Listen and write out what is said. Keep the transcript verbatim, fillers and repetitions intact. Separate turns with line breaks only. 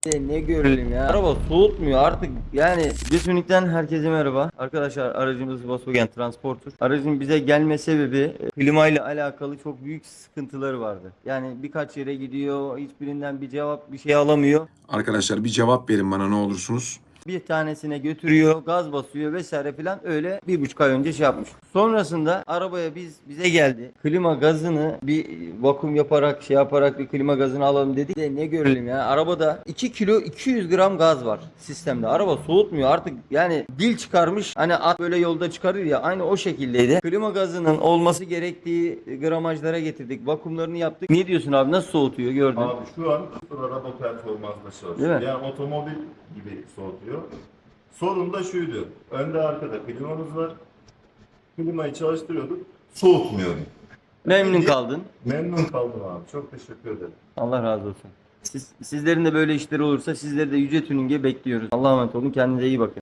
E, Ne görelim ya. Araba soğutmuyor artık. Yani Götünük'ten herkese merhaba. Arkadaşlar aracımız Volkswagen Transporter. Aracın bize gelme sebebi e, klima ile alakalı çok büyük sıkıntıları vardı. Yani birkaç yere gidiyor, hiçbirinden bir cevap bir şey alamıyor.
Arkadaşlar bir cevap verin bana ne olursunuz.
Bir tanesine götürüyor, gaz basıyor vesaire filan, öyle bir buçuk ay önce şey yapmış. Sonrasında arabaya biz bize geldi. Klima gazını bir vakum yaparak şey yaparak bir klima gazını alalım dedik. De ne görelim ya. Arabada iki kilo iki yüz gram gaz var sistemde. Araba soğutmuyor artık, yani dil çıkarmış. Hani at böyle yolda çıkarır ya, aynı o şekildeydi. Klima gazının olması gerektiği gramajlara getirdik. Vakumlarını yaptık. Ne diyorsun abi, nasıl soğutuyor gördün?
Abi şu an sıfır araba performansla
Değil
çalışıyor.
mi?
Yani otomobil gibi soğutuyor. Sorun da şuydu. Önde arkada klimamız var. Klimayı çalıştırıyorduk. Soğutmuyordu.
Memnun kaldın.
Memnun kaldım abi. Çok teşekkür ederim.
Allah razı olsun. Siz, sizlerin de böyle işleri olursa sizleri de Yüce Tuning'e bekliyoruz. Allah'a emanet olun. Kendinize iyi bakın.